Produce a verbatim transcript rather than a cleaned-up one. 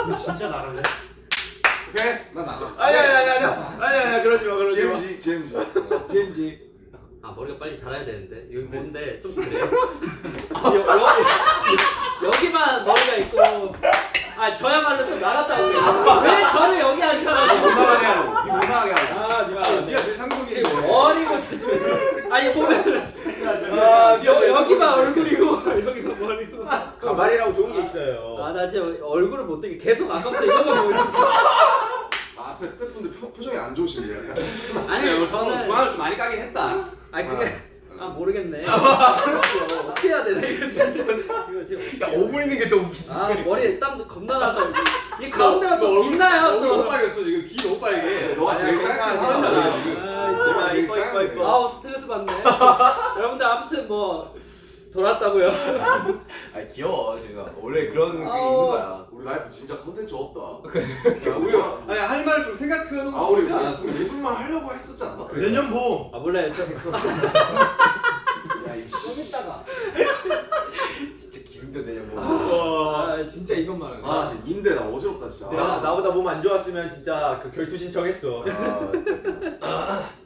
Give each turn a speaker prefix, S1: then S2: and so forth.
S1: 근데 진짜 나갈래?
S2: 오케이 난 나가.
S3: 아니 아니 아니 아니 아니 아니 그러지 마 그러지 마.
S2: 지엠지 지엠지.
S3: 지엠지.
S4: 아 머리가 빨리 자라야 되는데 여기 뭔데 좀 그래요? 여, 여, 여기만 머리가 있고 아 저야말로 좀 나갔다고 왜 저를 여기
S2: 못
S4: 앉혀가지고
S2: 나가게 하고. 니못 나가게 하고.
S3: 아 니가 니가 제일 상동이지.
S4: 지금 머리고 자시면 아니 보면
S3: 아 니가
S4: 여,
S3: 제일
S4: 여기만 얼굴이고 여기만 머리고
S3: 가발이라고 좋은 게 있어요.
S4: 아 나 진짜 얼굴을 못 뜨게 계속 아까부터 이거만 보고 있었어
S2: 아, 앞에 스태프분들 표, 표정이 안 좋으신데 약간.
S4: 아니 저는
S3: 중앙을 좀 많이 까긴 했다.
S4: 아니 그게 아 모르겠네 어떻게 해야 되나 이거 진짜 이거 지금
S3: 야 오분 있는 게 더 웃기다.
S4: 아 머리에 땀도 겁나 나서 이 가운데가 또 빛나요
S3: 얼굴 너무
S4: 또
S3: 빨개졌어 지금 귀 너무 빨개.
S2: 너가 제일 짧게 하잖아, 지금.
S4: 아,
S2: 너가 제일
S3: 이뻐, 이뻐,
S2: 짧게.
S3: 이뻐.
S4: 아우 스트레스 받네 여러분들 아무튼 뭐 돌았다고요
S5: 아 귀여워 제가 원래 그런 게 있는
S4: 아우.
S5: 거야.
S2: 우리 라이프 진짜 컨텐츠 없다.
S3: 야, 우리 아니 할 말 좀 생각해놓은
S2: 아
S3: 거
S2: 우리
S3: 좋지 않았어?
S2: 우리 예술만 하려고 했었지 않나?
S1: 내년 보.
S4: 아 몰라요 저
S2: 야이
S4: 좀 이따가
S5: 진짜 기승전 내년 뭐.
S4: 아 진짜 이것만 하네
S2: 아 진짜 인데 나 어지럽다 진짜.
S3: 나 나보다 몸 안 좋았으면 진짜 그 결투 신청했어.
S5: 아, 진짜.